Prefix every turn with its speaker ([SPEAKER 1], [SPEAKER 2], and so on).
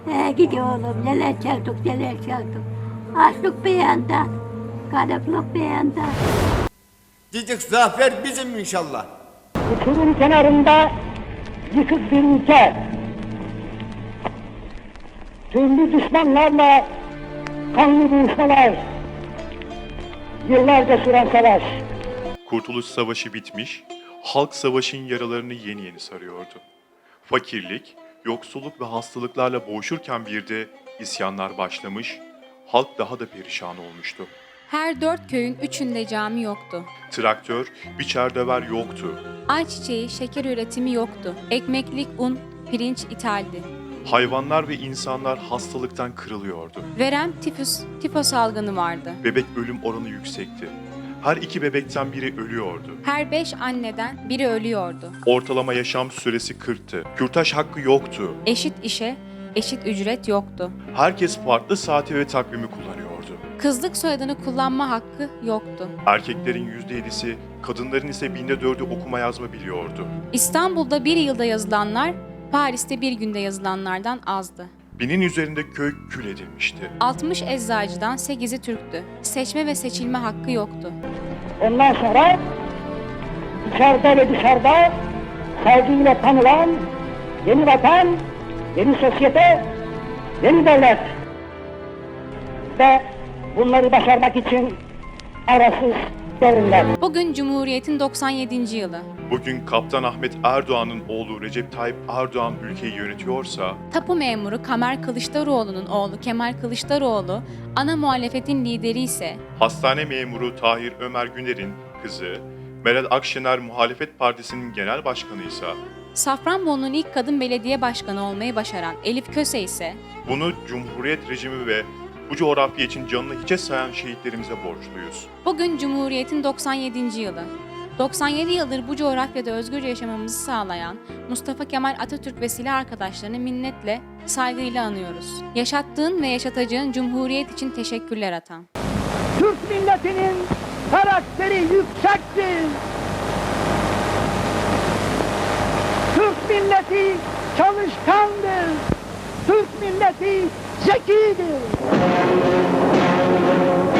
[SPEAKER 1] Gidiyor oğlum, neler çektik, neler çektik. Açlık bir yanda, gariplik bir yanda.
[SPEAKER 2] Diyecek zafer bizim inşallah.
[SPEAKER 3] Uçurum kenarında yıkık bir ülke. Türlü düşmanlarla kanlı buluşmalar. Yıllarca süren savaş.
[SPEAKER 4] Kurtuluş Savaşı bitmiş, halk savaşın yaralarını yeni yeni sarıyordu. Fakirlik, yoksulluk ve hastalıklarla boğuşurken bir de isyanlar başlamış, halk daha da perişan olmuştu.
[SPEAKER 5] Her 4 köyün 3'ünde cami yoktu.
[SPEAKER 4] Traktör, biçer döver yoktu.
[SPEAKER 5] Ayçiçeği, şeker üretimi yoktu. Ekmeklik un, pirinç ithaldi.
[SPEAKER 4] Hayvanlar ve insanlar hastalıktan kırılıyordu.
[SPEAKER 5] Verem, tifo salgını vardı.
[SPEAKER 4] Bebek ölüm oranı yüksekti. Her 2 bebekten biri ölüyordu.
[SPEAKER 5] Her 5 anneden biri ölüyordu.
[SPEAKER 4] Ortalama yaşam süresi 40'tı. Kürtaj hakkı yoktu.
[SPEAKER 5] Eşit işe, eşit ücret yoktu.
[SPEAKER 4] Herkes farklı saati ve takvimi kullanıyordu.
[SPEAKER 5] Kızlık soyadını kullanma hakkı yoktu.
[SPEAKER 4] Erkeklerin %7'si, kadınların ise 4'ü okuma yazma biliyordu.
[SPEAKER 5] İstanbul'da bir yılda yazılanlar, Paris'te bir günde yazılanlardan azdı.
[SPEAKER 4] 1000'in üzerinde köy kül edilmişti.
[SPEAKER 5] 60 eczacıdan 8'i Türktü. Seçme ve seçilme hakkı yoktu.
[SPEAKER 3] Ondan sonra içeride ve dışarıda saygıyla tanılan yeni vatan, yeni sosyete, yeni devlet. Ve bunları başarmak için arasız devrimler.
[SPEAKER 5] Bugün Cumhuriyet'in 97. yılı.
[SPEAKER 4] Bugün Kaptan Ahmet Erdoğan'ın oğlu Recep Tayyip Erdoğan ülkeyi yönetiyorsa,
[SPEAKER 5] Tapu memuru Kamer Kılıçdaroğlu'nun oğlu Kemal Kılıçdaroğlu, ana muhalefetin lideri ise
[SPEAKER 4] hastane memuru Tahir Ömer Güner'in kızı, Meral Akşener Muhalefet Partisi'nin genel başkanıysa,
[SPEAKER 5] Safranbolu'nun ilk kadın belediye başkanı olmayı başaran Elif Köse ise
[SPEAKER 4] bunu Cumhuriyet rejimi ve bu coğrafya için canını hiçe sayan şehitlerimize borçluyuz.
[SPEAKER 5] bugün Cumhuriyet'in 97. yılı. 97 yıldır bu coğrafyada özgürce yaşamamızı sağlayan Mustafa Kemal Atatürk ve silah arkadaşlarını minnetle, saygıyla anıyoruz. Yaşattığın ve yaşatacağın Cumhuriyet için teşekkürler Atan.
[SPEAKER 3] Türk milletinin karakteri yüksektir. Türk milleti çalışkandır. Türk milleti zekidir.